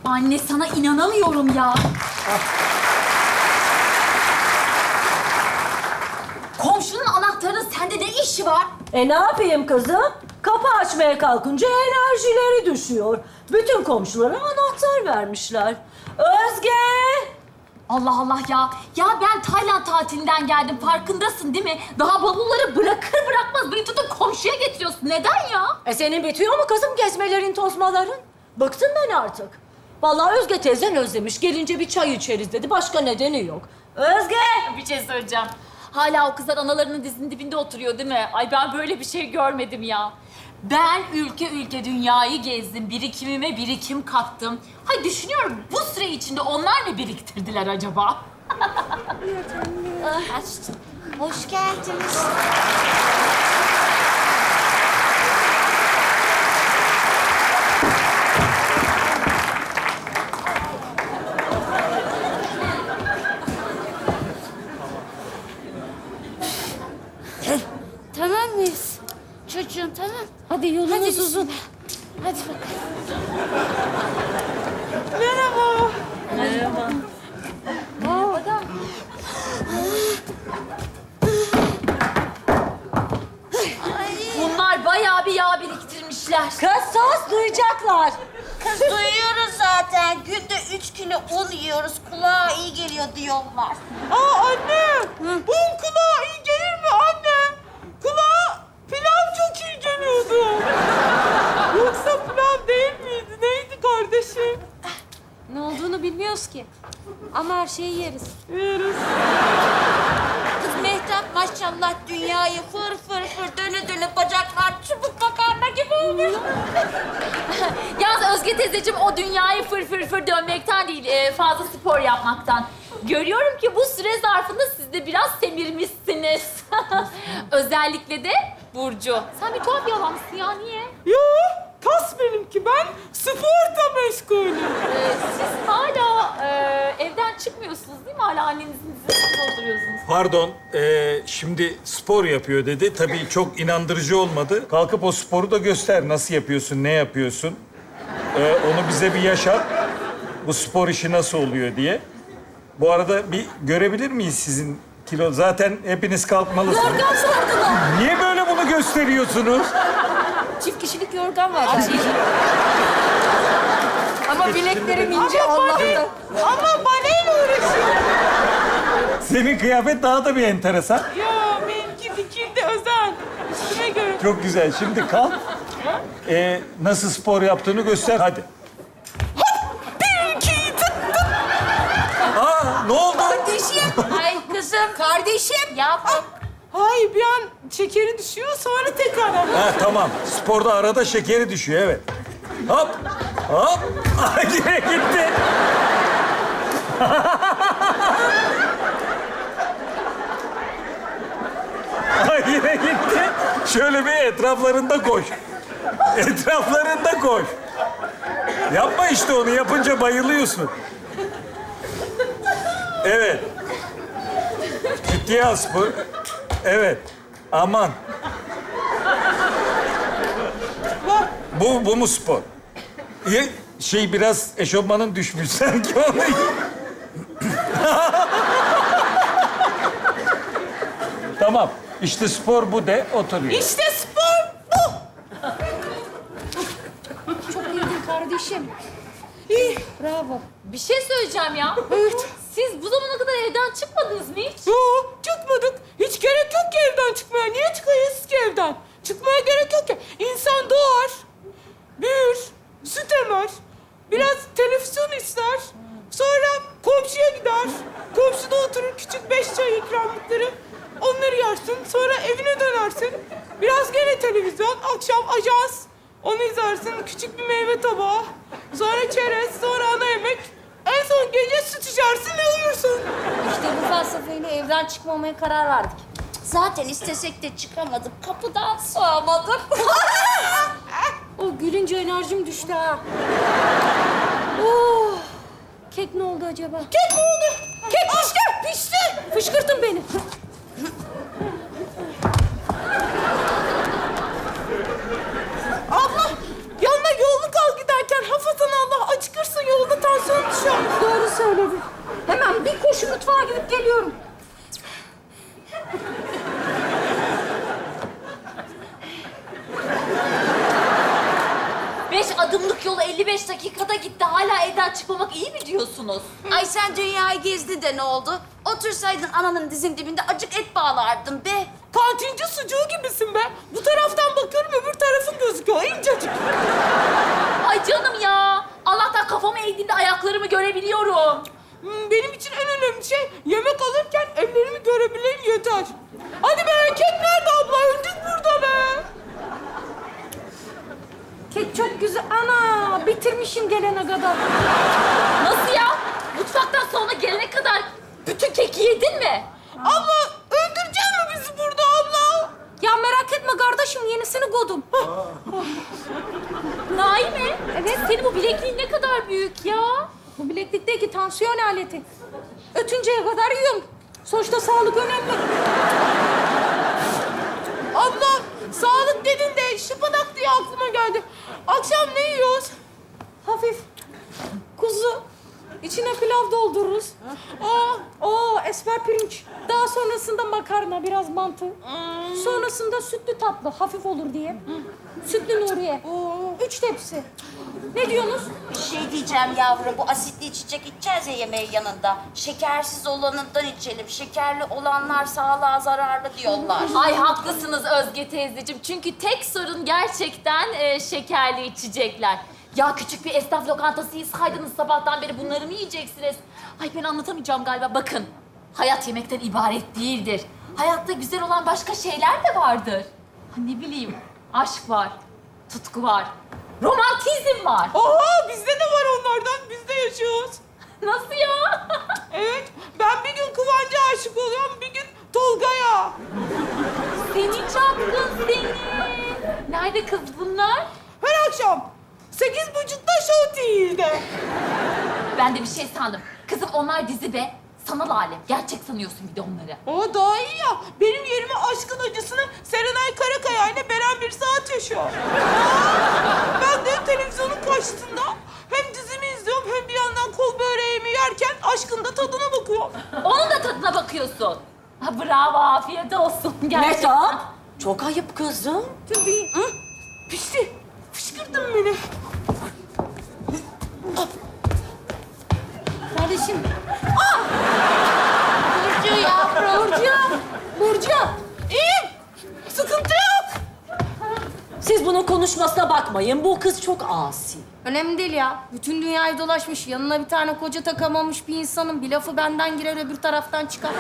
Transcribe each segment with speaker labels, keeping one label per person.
Speaker 1: Anne sana inanamıyorum ya. Komşunun anahtarının sende ne işi var?
Speaker 2: Ne yapayım kızım? Kapı açmaya kalkınca enerjileri düşüyor. Bütün komşulara anahtar vermişler. Özge!
Speaker 1: Allah Allah ya. Ya ben Tayland tatilinden geldim. Farkındasın değil mi? Daha bavulları bırakır bırakmaz beni tutup komşuya getiriyorsun. Neden ya?
Speaker 2: Senin bitiyor mu kızım gezmelerin, tozmaların? Bıktım ben artık. Vallahi Özge teyzen özlemiş. Gelince bir çay içeriz dedi. Başka nedeni yok. Özge!
Speaker 1: Bir şey söyleyeceğim. Hala o kızlar analarının dizinin dibinde oturuyor değil mi? Ay ben böyle bir şey görmedim ya. Ben ülke ülke dünyayı gezdim. Birikimime birikim kattım. Hay düşünüyorum bu süre içinde onlar ne biriktirdiler acaba?
Speaker 3: Hoş geldiniz. Tamam mıyız? Çocuğum tamam.
Speaker 2: Hadi yolunuz
Speaker 3: Hadi
Speaker 2: uzun.
Speaker 3: Hadi bakalım.
Speaker 2: Merhaba.
Speaker 1: Bunlar bayağı bir yağ biriktirmişler.
Speaker 2: Kız sus, duyacaklar.
Speaker 3: Kız duyuyoruz zaten. Günde 3 kilo un yiyoruz. Kulağa iyi geliyor diyorlar.
Speaker 4: Aa anne, bu kulağa iyi gelir mi anne? Kulağa pilav çok iyi geliyordu. Yoksa pilav değil miydi? Neydi kardeşim?
Speaker 5: Ne olduğunu bilmiyoruz ki. Ama her şeyi yeriz.
Speaker 4: Yeriz.
Speaker 3: Kız Mehtap maşallah dünyayı fır fır fır döne döne bacaklar çubuk makarna gibi olmuş.
Speaker 1: Yalnız Özge teyzeciğim o dünyayı fır fır fır dönmekten değil, fazla spor yapmaktan. Görüyorum ki bu süre zarfında siz de biraz semirmişsiniz. Özellikle de Burcu. Sen bir tuhaf yalansın ya, niye?
Speaker 4: Yo, kas benimki. Ben sporla meşgulüm.
Speaker 1: Siz hala evden çıkmıyorsunuz değil mi? Hala annenizin dizisinde oturuyorsunuz.
Speaker 6: Pardon, şimdi spor yapıyor dedi. Tabii çok inandırıcı olmadı. Kalkıp o sporu da göster. Nasıl yapıyorsun, ne yapıyorsun? Onu bize bir yaşat. Bu spor işi nasıl oluyor diye. Bu arada bir görebilir miyiz sizin kilo? Zaten hepiniz kalkmalısınız.
Speaker 2: Yorgan sordular.
Speaker 6: Niye böyle bunu gösteriyorsunuz?
Speaker 5: Çift kişilik yorgan var bence. Ama bileklerim ince Allah'tan.
Speaker 4: Ama baleyle uğraşıyorum.
Speaker 6: Senin kıyafet daha da bir enteresan.
Speaker 4: Yo, benimki dikildi özel. Üstüme göre.
Speaker 6: Çok güzel. Şimdi kalk. Nasıl spor yaptığını göster. Hadi.
Speaker 4: Bir, iki, tık.
Speaker 6: Aa, ne oldu?
Speaker 3: Ay kızım.
Speaker 5: Kardeşim.
Speaker 3: Yavrum.
Speaker 4: Hayır, bir an şekeri düşüyor, sonra tekrar.
Speaker 6: Ha tamam. Sporda arada şekeri düşüyor, evet. Hop, hop. Ay, yine gitti. Ay, yine gitti. Şöyle bir etraflarında koş. Etraflarında koş. Yapma işte onu. Yapınca bayılıyorsun. Evet. Ciddiye al spor. Evet. Aman. Bu mu spor? Biraz eşofmanın düşmüş sanki onu. Tamam. İşte spor bu de oturuyor.
Speaker 4: İşte spor bu.
Speaker 5: Çok iyiydin kardeşim. Bravo.
Speaker 1: Bir şey söyleyeceğim ya. Siz bu zamana kadar evden çıkmadınız mı hiç?
Speaker 4: Yo, çıkmadık. Hiç gerek yok ki evden çıkmaya. Niye çıkayız ki evden? Çıkmaya gerek yok ki. İnsan doğar, büyür, süt emer, biraz televizyon izler. Sonra komşuya gider. Komşuda oturur küçük 5 çay ikramlıkları. Onları yersin. Sonra evine dönersin. Biraz gene televizyon. Akşam ajans. Onu izlersin. Küçük bir meyve tabağı. Sonra çerez. Sonra ana yemek. En son gece süt içersin ve uyursun.
Speaker 5: İşte bu felsefeyle evden çıkmamaya karar verdik.
Speaker 3: Zaten istesek de çıkamadık. Kapıdan sığamadık.
Speaker 5: O gülünce enerjim düştü ha. Oh. Kek ne oldu acaba?
Speaker 4: Kek mi olur?
Speaker 5: Kek pişti! Pişti! Fışkırtın beni.
Speaker 4: Abla, yanına yolunu kal giderken hafatan Allah acıkırsın yolunda
Speaker 5: söyledi. Hemen bir koşu mutfağa gidip geliyorum.
Speaker 1: 5 adımlık yolu 55 dakikada gitti. Hala evden çıkmamak iyi mi diyorsunuz?
Speaker 3: Ay sen dünyayı gezdi de ne oldu? Otursaydın ananın dizin dibinde acık et bağlardın be.
Speaker 4: Kantinci sucuğu gibisin be. Bu taraftan bakıyorum, öbür tarafın gözüküyor. İncecik.
Speaker 1: Ay canım ya. Allah'tan kafamı eğdiğinde ayaklarımı görebiliyorum.
Speaker 4: Benim için en önemli şey yemek alırken ellerimi görebileyim yeter. Hadi be, kek nerede abla? Öldük burada be.
Speaker 5: Kek çok güzel. Ana bitirmişim gelene kadar.
Speaker 1: Nasıl ya? Mutfaktan sonra gelene kadar bütün keki yedin mi?
Speaker 4: Abla öldürecek mi bizi burada abla?
Speaker 5: Ya merak etme kardeşim yenisini koydum.
Speaker 1: Naime, evet. Senin bu bilekliğin ne kadar büyük ya.
Speaker 5: Bu bileklikteki tansiyon aleti. Ötünceye kadar yiyorum. Sonuçta sağlık önemli.
Speaker 4: Abla sağlık dedin de şıpadak diye aklıma geldi. Akşam ne yiyoruz?
Speaker 5: Hafif kuzu. İçine pilav doldururuz. Esmer pirinç. Daha sonrasında makarna, biraz mantı. Sonrasında sütlü tatlı, hafif olur diye. Sütlü Nuriye. 3 tepsi. Ne diyorsunuz?
Speaker 3: Bir şey diyeceğim yavrum, bu asitli içecek içeceğiz ya yemeğin yanında. Şekersiz olanından içelim. Şekerli olanlar sağlığa zararlı diyorlar.
Speaker 1: Ay haklısınız Özge teyzeciğim. Çünkü tek sorun gerçekten şekerli içecekler. Ya küçük bir esnaf lokantası yiysaydınız sabahtan beri bunları mı yiyeceksiniz? Ay ben anlatamayacağım galiba. Bakın, hayat yemekten ibaret değildir. Hayatta güzel olan başka şeyler de vardır. Ha, ne bileyim, aşk var, tutku var, romantizm var.
Speaker 4: Oha, bizde de var onlardan. Biz de yaşıyoruz.
Speaker 1: Nasıl ya?
Speaker 4: Evet, ben bir gün Kıvanç'a aşık oluyorum, bir gün Tolga'ya.
Speaker 1: Seni çapkın seni. Nerede kız bunlar?
Speaker 4: Her akşam 8.30'da Show TV'de.
Speaker 1: Ben de bir şey sandım. Kızım onlar dizi be. Sanal alem. Gerçek sanıyorsun bir de onları.
Speaker 4: O daha iyi ya. Benim yerime aşkın acısını Serenay Karakaya ile Beren bir saat yaşıyor. Ben de televizyonun karşısında hem dizimi izliyorum hem bir yandan kol böreğimi yerken aşkın da tadına bakıyorum.
Speaker 1: Onun da tadına bakıyorsun. Ha, bravo, afiyet olsun. Gerçekten.
Speaker 2: Mehtap, çok ayıp kızım.
Speaker 4: Tabii. Hı? Pişti. Fışkırdın beni.
Speaker 5: Kardeşim.
Speaker 3: Burcu yavrum.
Speaker 5: Burcu.
Speaker 4: İyiyim. Sıkıntı yok.
Speaker 2: Siz bunun konuşmasına bakmayın. Bu kız çok asi.
Speaker 5: Önemli değil ya. Bütün dünyayı dolaşmış. Yanına bir tane koca takamamış bir insanın bir lafı benden girer öbür taraftan çıkar.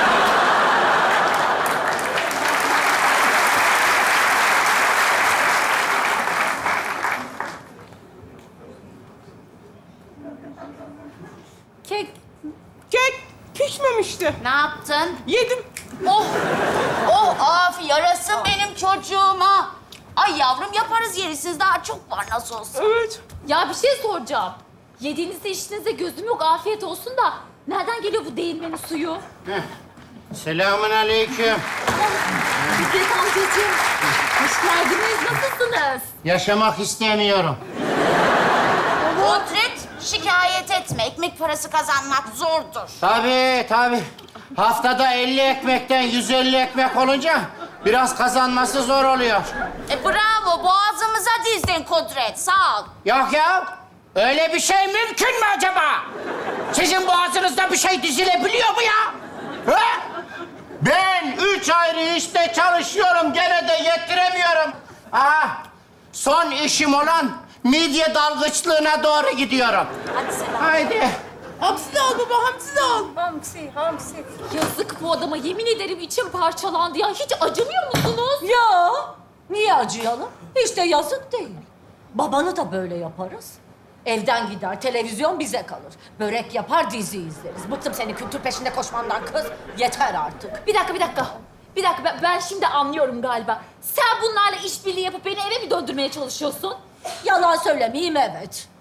Speaker 5: Kek.
Speaker 4: Kek pişmemişti.
Speaker 3: Ne yaptın?
Speaker 4: Yedim.
Speaker 3: Oh, oh af yarasın benim çocuğuma. Ay yavrum yaparız yerisiniz, daha çok var nasıl olsa.
Speaker 4: Evet.
Speaker 1: Ya bir şey soracağım. Yediğinizde içtiğinizde gözüm yok, afiyet olsun da... Nereden geliyor bu değirmenin suyu?
Speaker 7: Selamun aleyküm.
Speaker 1: Fikret amcacığım. Hoş geldiniz, nasılsınız?
Speaker 7: Yaşamak istemiyorum.
Speaker 3: Kudret, şikayet etme. Ekmek parası kazanmak zordur.
Speaker 7: Tabii. Haftada 50 ekmekten 150 ekmek olunca biraz kazanması zor oluyor.
Speaker 3: Bravo, boğazımıza dizdin Kudret. Sağ ol.
Speaker 7: Yok ya, öyle bir şey mümkün mü acaba? Sizin boğazınızda bir şey dizilebiliyor mu ya? Ha? Ben 3 ayrı işte çalışıyorum, gene de yettiremiyorum. Aha, son işim olan midye dalgıçlığına doğru gidiyorum.
Speaker 3: Hadi selam.
Speaker 7: Haydi.
Speaker 4: Hamsi de al baba, hamsi de al.
Speaker 5: Hamsi.
Speaker 1: Yazık bu adama, yemin ederim içim parçalandı ya. Hiç acımıyor musunuz?
Speaker 2: Ya, niye acıyalım? Hiç de yazık değil. Babanı da böyle yaparız. Evden gider, televizyon bize kalır. Börek yapar, dizi izleriz. Bıktım senin kültür peşinde koşmandan kız. Yeter artık.
Speaker 1: Bir dakika. Ben şimdi anlıyorum galiba. Sen bunlarla işbirliği yapıp beni eve mi döndürmeye çalışıyorsun?
Speaker 2: Yalan söylemeyeyim, evet.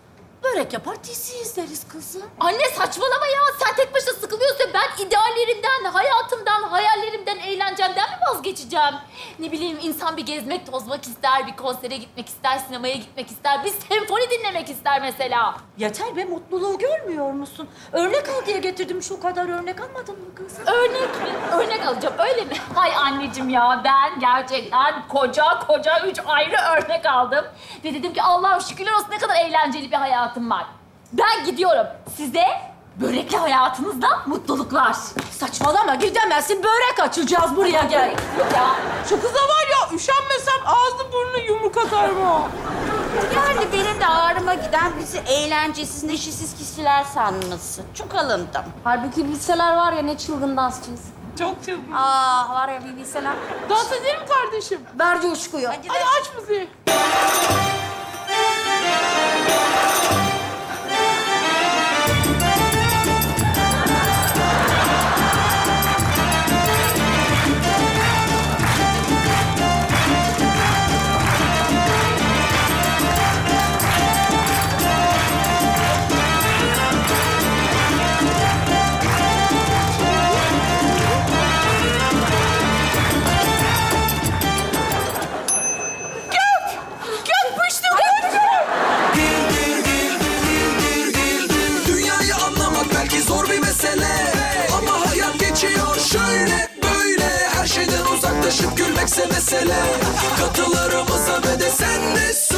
Speaker 2: Börek yapar, dizi izleriz kızım.
Speaker 1: Anne saçmalama ya. Sen tek başına sıkılıyorsun. Ben ideallerimden, hayatımdan, hayallerimden, eğlencemden mi vazgeçeceğim? Ne bileyim insan bir gezmek, tozmak ister, bir konsere gitmek ister, sinemaya gitmek ister, bir senfoni dinlemek ister mesela.
Speaker 2: Yeter be, mutluluğu görmüyor musun? Örnek al diye getirdim, şu kadar örnek almadın mı kızım?
Speaker 1: Örnek mi? Örnek alacağım öyle mi? Hay anneciğim ya ben gerçekten koca 3 ayrı örnek aldım. Ve dedim ki Allah'ım şükürler olsun ne kadar eğlenceli bir hayatım var. Ben gidiyorum. Size börekli hayatınızda mutluluklar.
Speaker 2: Saçmalama, gidemezsin. Börek açacağız, buraya gel.
Speaker 1: Yok ya.
Speaker 4: Şu kıza var ya, üşenmesem ağzı burnu yumruk atarım ha.
Speaker 3: Yani benim de ağrıma giden bizi eğlencesiz, neşesiz kişiler sanması. Çok alındım.
Speaker 5: Halbuki bilseler var ya ne çılgın dansçıyız.
Speaker 4: Çok çılgın.
Speaker 5: Var ya bir bilseler.
Speaker 4: Dans edelim kardeşim.
Speaker 5: Ver coşkuyu.
Speaker 3: Hadi
Speaker 4: Hadi aç müziği.
Speaker 8: Dünyayı anlamak belki zor bir mesele, ama hayat geçiyor şöyle böyle. Her şeyden uzaklaşıp gülmekse mesele. Katılarımıza ve de sen de